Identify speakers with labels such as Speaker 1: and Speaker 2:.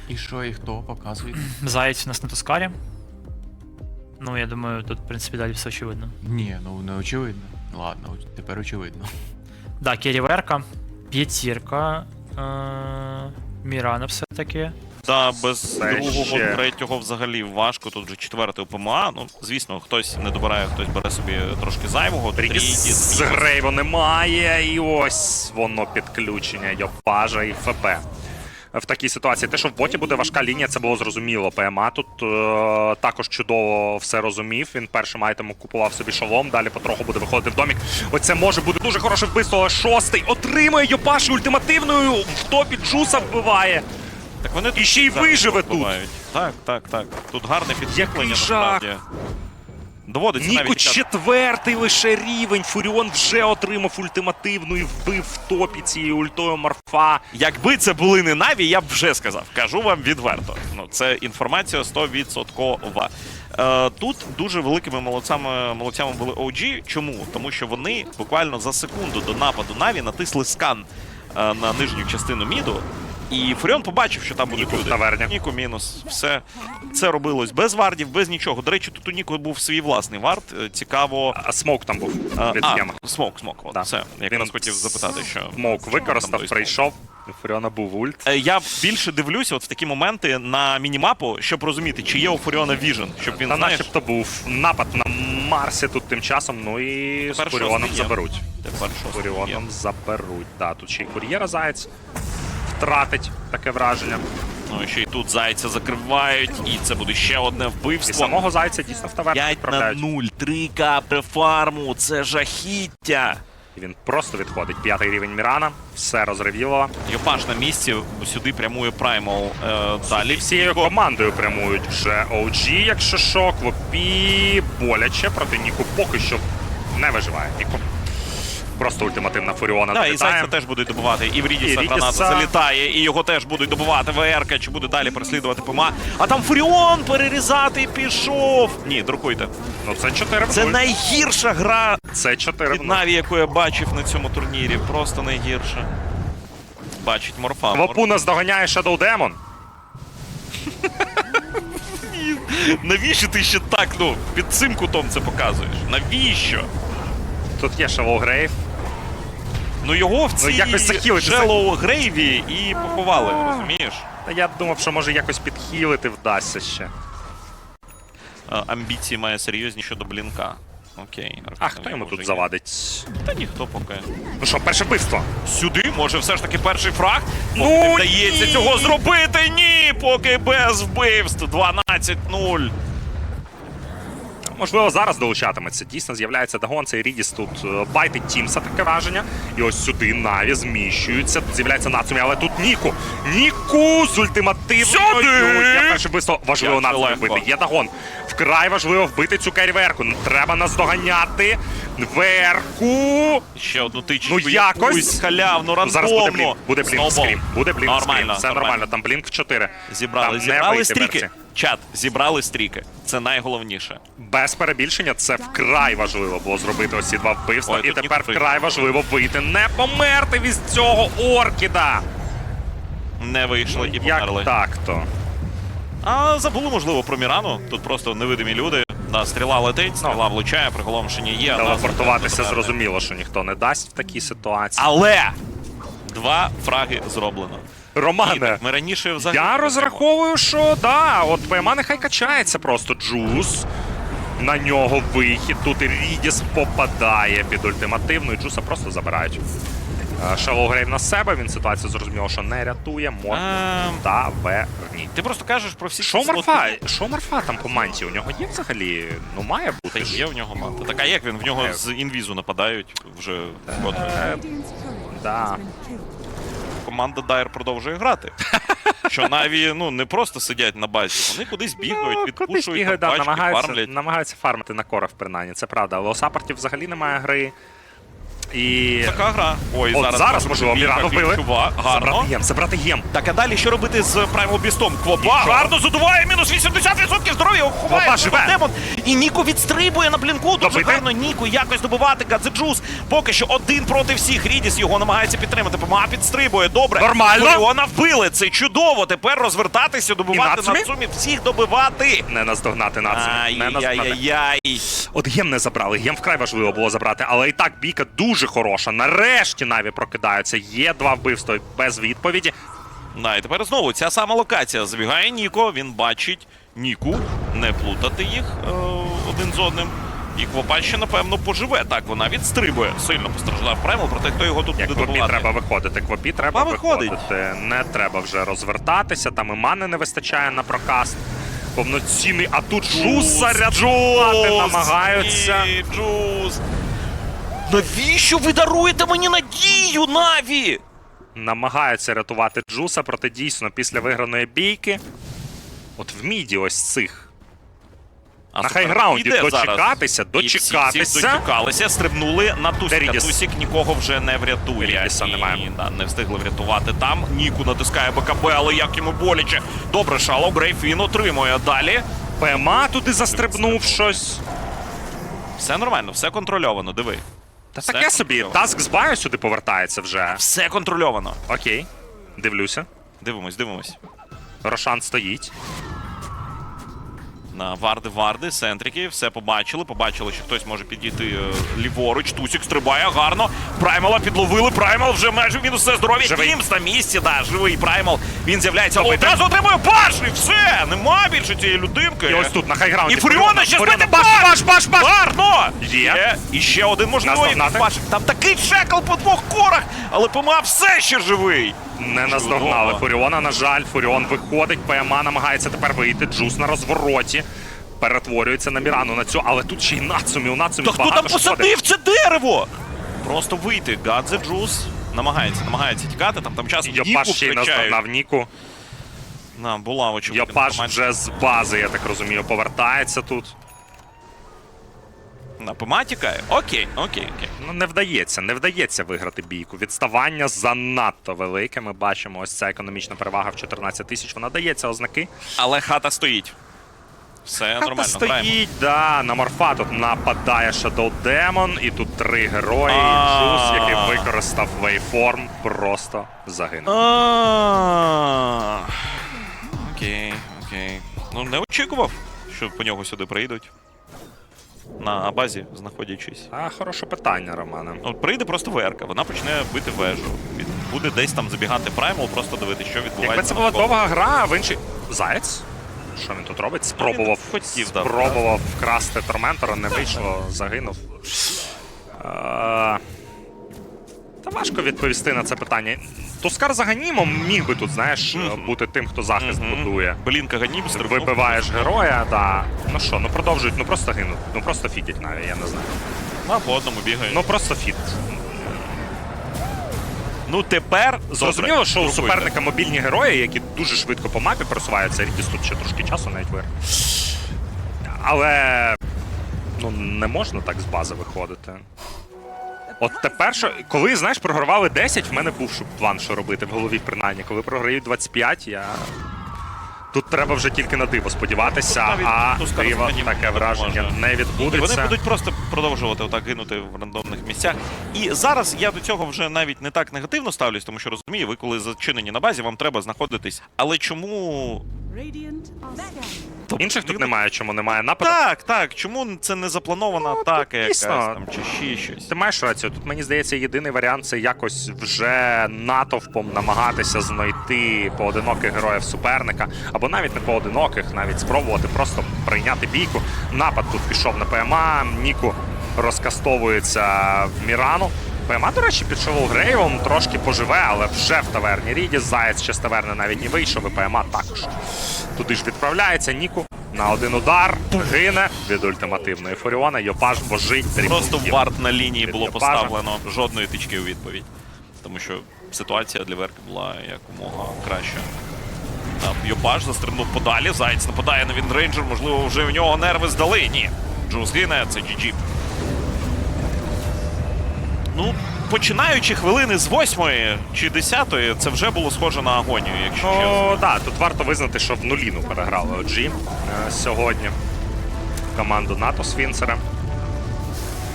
Speaker 1: І що, і хто показує?
Speaker 2: Заєць у нас на Тускарі. Ну, я думаю, тут, в принципі, далі все очевидно.
Speaker 1: Ні, ну не очевидно. Ладно, тепер очевидно.
Speaker 2: Да, Керіверка, п'ятірка, Мірана все-таки.
Speaker 3: Та без
Speaker 4: Це
Speaker 3: другого,
Speaker 4: ще.
Speaker 3: третього взагалі важко. Тут вже четвертий ПМА. Ну, звісно, хтось не добирає, хтось бере собі трошки зайвого.
Speaker 4: Рідіс з Грейву немає, і ось воно підключення Йопажа і ФП. В такій ситуації. Те, що в боті буде важка лінія, це було зрозуміло. ПМА тут також чудово все розумів. Він першим айтемом купував собі шолом, далі потроху буде виходити в домік. Оце може бути дуже хороше вбивство, але шостий отримує Йопаш ультимативною, в топі Джуса вбиває.
Speaker 3: Так вони
Speaker 4: І ще й виживе тут.
Speaker 3: бувають. Так. Тут гарне підкріплення,
Speaker 4: Який жах.
Speaker 3: насправді. Доводиться
Speaker 4: Ніку
Speaker 3: навіть тікати.
Speaker 4: четвертий лише рівень. Фуріон вже отримав ультимативну і вбив в топі цією ультою Морфа.
Speaker 3: Якби це були не Наві, я б вже сказав. Кажу вам відверто. Ну, це інформація 100%. Тут дуже великими молодцями були OG. Чому? Тому що вони буквально за секунду до нападу Наві натисли скан на нижню частину міду. І Фуріон побачив, що там будуть
Speaker 4: Ніку в
Speaker 3: люди.
Speaker 4: таверні.
Speaker 3: Ніку мінус. Все. Це робилось без вардів, без нічого. До речі, тут у Ніку був свій власний вард. Цікаво.
Speaker 4: А смоук там був від схеми.
Speaker 3: Смок. От,
Speaker 4: Да.
Speaker 3: все. Якраз хотів запитати, що...
Speaker 4: Смоук
Speaker 3: що
Speaker 4: використав,
Speaker 3: там той
Speaker 4: прийшов. У Фуріона був ульт.
Speaker 3: Я більше дивлюся от в такі моменти на мінімапу, щоб розуміти, чи є у Фуріона віжен, щоб він,
Speaker 4: Та
Speaker 3: знаєш,
Speaker 4: начебто був напад на Марсі тут тим часом, ну і з
Speaker 3: Тепер
Speaker 4: Фуріоном
Speaker 3: шостий є.
Speaker 4: заберуть.
Speaker 3: тепер що
Speaker 4: Фуріоном заберуть. Да, тут ще й кур'єра Заєць втратить таке враження.
Speaker 3: Ну і ще й тут зайця закривають, і це буде ще одне
Speaker 4: І
Speaker 3: вбивство.
Speaker 4: самого Зайця дійсно в таверну
Speaker 3: 5 на
Speaker 4: відправляють.
Speaker 3: 0, 3 капри фарму, це жахіття.
Speaker 4: І він просто відходить. 5-й рівень Мірана, все розревіло.
Speaker 3: Йопаш на місці, сюди прямує Праймал далі.
Speaker 4: Всією командою прямують вже OG, якщо шок, Вопі боляче, проти Ніку поки що не виживає. Ніку просто ультимативна Фуріона
Speaker 3: Так, і
Speaker 4: долітає.
Speaker 3: Зайця теж будуть добивати, і в Рідіса
Speaker 4: І
Speaker 3: граната
Speaker 4: Рідіса.
Speaker 3: залітає, і його теж будуть добивати. ВРК, чи буде далі переслідувати ПМА. А там Фуріон перерізати пішов! Ні, друкуйте.
Speaker 4: Ну це 4 в
Speaker 3: Це
Speaker 4: 0.
Speaker 3: найгірша гра
Speaker 4: Це 4
Speaker 3: від
Speaker 4: в 0.
Speaker 3: Наві, яку я бачив на цьому турнірі. Просто найгірша. Бачить Морфа.
Speaker 4: Вопу наздоганяє Shadow Demon.
Speaker 3: Навіщо ти ще так, ну, під цим кутом це показуєш? Навіщо?
Speaker 4: Тут є Shallow Grave.
Speaker 3: Ну його в цій
Speaker 4: якось захилити.
Speaker 3: Shallow Грейві і поховали, розумієш?
Speaker 4: Та я думав, що може якось підхилити вдасться ще.
Speaker 3: Амбіції має серйозні щодо Блінка. Окей.
Speaker 4: А хто йому тут завадить?
Speaker 3: Та ніхто поки.
Speaker 4: Ну що, перше вбивство.
Speaker 3: Сюди, може все ж таки перший фраг?
Speaker 4: Ну,
Speaker 3: Поки не вдається
Speaker 4: ні!
Speaker 3: цього зробити, ні! Поки без вбивств. 12-0.
Speaker 4: Можливо, зараз долучатиметься. Дійсно, з'являється Дагон, цей Рідіс тут байтить Тімса, таке враження. І ось сюди Наві зміщується. Тут з'являється Нацумі, але тут Ніку. Ніку з ультимативною.
Speaker 3: Сюди!
Speaker 4: Є перше вбивство. Важливо
Speaker 3: Як це
Speaker 4: Нацумі
Speaker 3: легко.
Speaker 4: вбити. Є Дагон. Вкрай важливо вбити цю керіверку. Треба наздоганяти. Верку.
Speaker 3: Ще одну тичку.
Speaker 4: Ну, якось.
Speaker 3: Якусь халявну,
Speaker 4: Ну, зараз буде
Speaker 3: рандомну.
Speaker 4: блінк. Буде блінк
Speaker 3: Сноубол.
Speaker 4: скрім. Буде блінк
Speaker 3: Нормально,
Speaker 4: скрім. Все нормально. Там блінк в 4.
Speaker 3: Зібрали
Speaker 4: Там не вийти
Speaker 3: стріки.
Speaker 4: Верці.
Speaker 3: Чат, зібрали стріки. Це найголовніше.
Speaker 4: Без перебільшення це вкрай важливо було зробити ось ці два вбивства.
Speaker 3: Ой,
Speaker 4: І
Speaker 3: тут
Speaker 4: тепер
Speaker 3: ніхто
Speaker 4: вкрай важливо вийти, не померти від цього Оркіда.
Speaker 3: Не вийшли і
Speaker 4: Як
Speaker 3: померли.
Speaker 4: так-то?
Speaker 3: А забули, можливо, про Мірану. Тут просто невидимі люди. Да, стріла летить, стріла влучає, приголомшення є.
Speaker 4: Телепортуватися
Speaker 3: але-
Speaker 4: зрозуміло, що ніхто не дасть в такій ситуації.
Speaker 3: Але 2 фраги зроблено.
Speaker 4: Романе,
Speaker 3: Ми раніше взагалі...
Speaker 4: я розраховую, що да, от ПМА нехай качається просто. Джус. На нього вихід. Тут і Рідіс попадає під ультимативну, і Джуса просто забирають. Shallow Grave на себе, він ситуацію зрозуміло, що не рятує. Таверні.
Speaker 3: Ти просто кажеш про всі...
Speaker 4: Що
Speaker 3: ці
Speaker 4: Марфа?
Speaker 3: слоти.
Speaker 4: Що Марфа там по манті? У нього є взагалі? Ну має
Speaker 3: Та
Speaker 4: бути.
Speaker 3: є в нього манта. Так, а як він? В нього з інвізу нападають вже вкотре.
Speaker 4: Да.
Speaker 3: Команда Дайр продовжує грати. Що Наві, ну, не просто сидять на базі, вони кудись бігають,
Speaker 4: Кудись
Speaker 3: відпушують,
Speaker 4: бігають,
Speaker 3: там
Speaker 4: да,
Speaker 3: пачки, фармлять.
Speaker 4: намагаються фармити на корах, принаймні, це правда. Але у саппортів взагалі немає гри. І
Speaker 3: Така гра. Ой,
Speaker 4: от зараз,
Speaker 3: може
Speaker 4: можливо,
Speaker 3: бійка
Speaker 4: Мірану вбили.
Speaker 3: ключова. Гарно.
Speaker 4: Забрати єм.
Speaker 3: Так, а далі що робити з Primal Beast'ом? Квоба
Speaker 4: Нічого.
Speaker 3: гарно задуває, мінус 80% здоров'я, ховає
Speaker 4: Квоба живе.
Speaker 3: демон. І Ніко відстрибує на блінку. Дуже
Speaker 4: Добити.
Speaker 3: гарно Ніко якось добивати Гадзеджус. Поки що один проти всіх. Рідіс його намагається підтримати. ПМА підстрибує. Добре.
Speaker 4: Нормально.
Speaker 3: Фуріона вбили. Це чудово. Тепер розвертатися, добивати
Speaker 4: Нацумі?
Speaker 3: Нацумі. Всіх добивати.
Speaker 4: Не наздогнати націю. Не наздогнати.
Speaker 3: Ай-яй-яй.
Speaker 4: От гем не забрали. Гем вкрай важливо було забрати, але і так бійка дуже хороша. Нарешті Наві прокидаються. Є 2 вбивства без відповіді.
Speaker 3: Да, і тепер знову ця сама локація. Забігає Ніко, він бачить Ніку, не плутати їх один з одним. І Квопа ще, напевно, поживе. Так, вона відстрибує. Сильно постраждав Праймал, проте хто його тут
Speaker 4: Як
Speaker 3: буде
Speaker 4: Квопі
Speaker 3: добивати.
Speaker 4: треба виходити. Квопі треба
Speaker 3: виходить.
Speaker 4: виходити. Не треба вже розвертатися. Там і мани не вистачає на прокаст. Повноцінний, а тут Джус заряджувати намагаються.
Speaker 3: Ні, Джус. Навіщо ви даруєте мені надію, Наві?
Speaker 4: Намагаються рятувати Джуса, проте дійсно після виграної бійки. От в міді ось цих.
Speaker 3: А
Speaker 4: На
Speaker 3: суперник
Speaker 4: хайграунді
Speaker 3: іде
Speaker 4: дочекатися,
Speaker 3: зараз. І всі дочекалися, стрибнули на Тусіка.
Speaker 4: Рідіс.
Speaker 3: Тусік нікого вже не врятує.
Speaker 4: Рідіса
Speaker 3: І,
Speaker 4: немає.
Speaker 3: да, не встигли врятувати там. Ніку натискає БКБ, але як йому боляче. Добре, Шало, Грейфін отримує далі.
Speaker 4: ПМА туди застрибнув щось.
Speaker 3: Все нормально, все контрольовано, диви.
Speaker 4: Та
Speaker 3: Все
Speaker 4: таке собі.
Speaker 3: контрольовано.
Speaker 4: Таск з баю сюди повертається вже.
Speaker 3: Все контрольовано.
Speaker 4: Окей. Дивлюся.
Speaker 3: Дивимось.
Speaker 4: Рошан стоїть.
Speaker 3: На варди, сентрики, все побачили. Побачили, що хтось може підійти ліворуч. Тусік стрибає гарно. Праймала підловили. Праймал вже майже мінус все здоров'я.
Speaker 4: Живий.
Speaker 3: Кімс на місці, да, живий Праймал. Він з'являється, але
Speaker 4: Добити.
Speaker 3: одразу отримує баш, і все! Нема більше цієї людинки.
Speaker 4: І ось тут, на хайграунді.
Speaker 3: І Фуріона ще збити
Speaker 4: баш!
Speaker 3: Гарно!
Speaker 4: Є.
Speaker 3: І ще один можливий
Speaker 4: Наздогнати.
Speaker 3: баш. Там такий чекл по 2 корах, але ПМА все ще живий.
Speaker 4: Не наздогнали
Speaker 3: Чудово.
Speaker 4: Фуріона, на жаль. Фуріон виходить, ПМА намагається тепер вийти. Джус на розвороті. Перетворюється на Мірану на цю, але тут ще й Нацумі. У Нацумі
Speaker 3: Та хто
Speaker 4: багато
Speaker 3: там
Speaker 4: шкоди.
Speaker 3: посадив це дерево? Просто вийти. Гадзе Джус намагається тікати, там часом Ніку
Speaker 4: Йопаш ще й
Speaker 3: втрачають.
Speaker 4: наздогнав Ніку.
Speaker 3: Була очевидна
Speaker 4: Йопаш
Speaker 3: інформація.
Speaker 4: вже з бази, я так розумію, повертається тут.
Speaker 3: На ПМА тікає? Окей.
Speaker 4: Ну, не вдається виграти бійку. Відставання занадто велике. Ми бачимо, ось ця економічна перевага в 14 тисяч. Вона дається ознаки.
Speaker 3: Але хата стоїть. Все нормально, граємо.
Speaker 4: Стоїть, да, на Морфа тут нападає Shadow Demon, і тут 3 герої. І Джус, який використав вейформ, просто загинув.
Speaker 3: Окей. Ну, не очікував, що по нього сюди прийдуть. На базі знаходячись.
Speaker 4: Хороше питання, Романе.
Speaker 3: От прийде просто ВРК, вона почне бити вежу. Буде десь там забігати Праймал, просто дивитися, що відбувається.
Speaker 4: Якби це була
Speaker 3: навколо.
Speaker 4: довга гра, в інший... Заєць? Що він тут робить? Спробував вкрасти Торментора, не вийшло, загинув. Та важко відповісти на це питання. Тускар за Ганімом міг би тут, знаєш, бути тим, хто захист будує.
Speaker 3: Блінка Ганім стрибнув.
Speaker 4: Вибиваєш героя, да. Ну що, продовжують, просто гинуть. Просто фітять навіть, я не знаю.
Speaker 3: По одному бігають.
Speaker 4: Просто фіт.
Speaker 3: Тепер
Speaker 4: Зрозуміло, що у
Speaker 3: Друкуйте.
Speaker 4: суперника мобільні герої, які дуже швидко по мапі просуваються. Рідіс тут ще трошки часу навіть вир. Але не можна так з бази виходити. От тепер, коли, знаєш, програвали 10, в мене був план, що робити в голові, принаймні. Коли програють 25, тут треба вже тільки на диво сподіватися, а
Speaker 3: Тускар з
Speaker 4: диво,
Speaker 3: Ганімом
Speaker 4: таке враження,
Speaker 3: допоможе.
Speaker 4: не
Speaker 3: І
Speaker 4: відбудеться.
Speaker 3: вони будуть просто продовжувати отак гинути в рандомних місцях. І зараз я до цього вже навіть не так негативно ставлюсь, тому що розумію, ви коли зачинені на базі, вам треба знаходитись. Але чому...
Speaker 4: Інших тут немає, чому немає нападу.
Speaker 3: Так, чому це не запланована атака якась
Speaker 4: дійсно.
Speaker 3: там, чи ще щось?
Speaker 4: Ти маєш рацію. Тут, мені здається, єдиний варіант це якось вже натовпом намагатися знайти поодиноких героїв суперника, або навіть не поодиноких, навіть спробувати просто прийняти бійку. Напад тут пішов на ПМА, Ніку розкастовується в Мірану. ПМА, до речі, під Шелоу Грейвом трошки поживе, але вже в таверні Рідіс. Заєць ще з таверни навіть не вийшов, і ПМА також. Туди ж відправляється Ніку на один удар, гине від ультимативної Фуріона. Йопаш божить.
Speaker 3: Просто
Speaker 4: дрібнів.
Speaker 3: варт на лінії
Speaker 4: від
Speaker 3: було
Speaker 4: Йопажа.
Speaker 3: поставлено, жодної тички у відповідь. Тому що ситуація для Верки була якомога краща. Йопаш застрибнув подалі, Заєць нападає на Віндрейнджер, можливо, вже в нього нерви здали. Ні. Джус гине, це GG. Ну, починаючи хвилини з 8-ї чи 10-ї, це вже було схоже на агонію, якщо чесно.
Speaker 4: Ну, так, тут варто визнати, що в нуліну переграли OG сьогодні команду НАТО з Фінцером.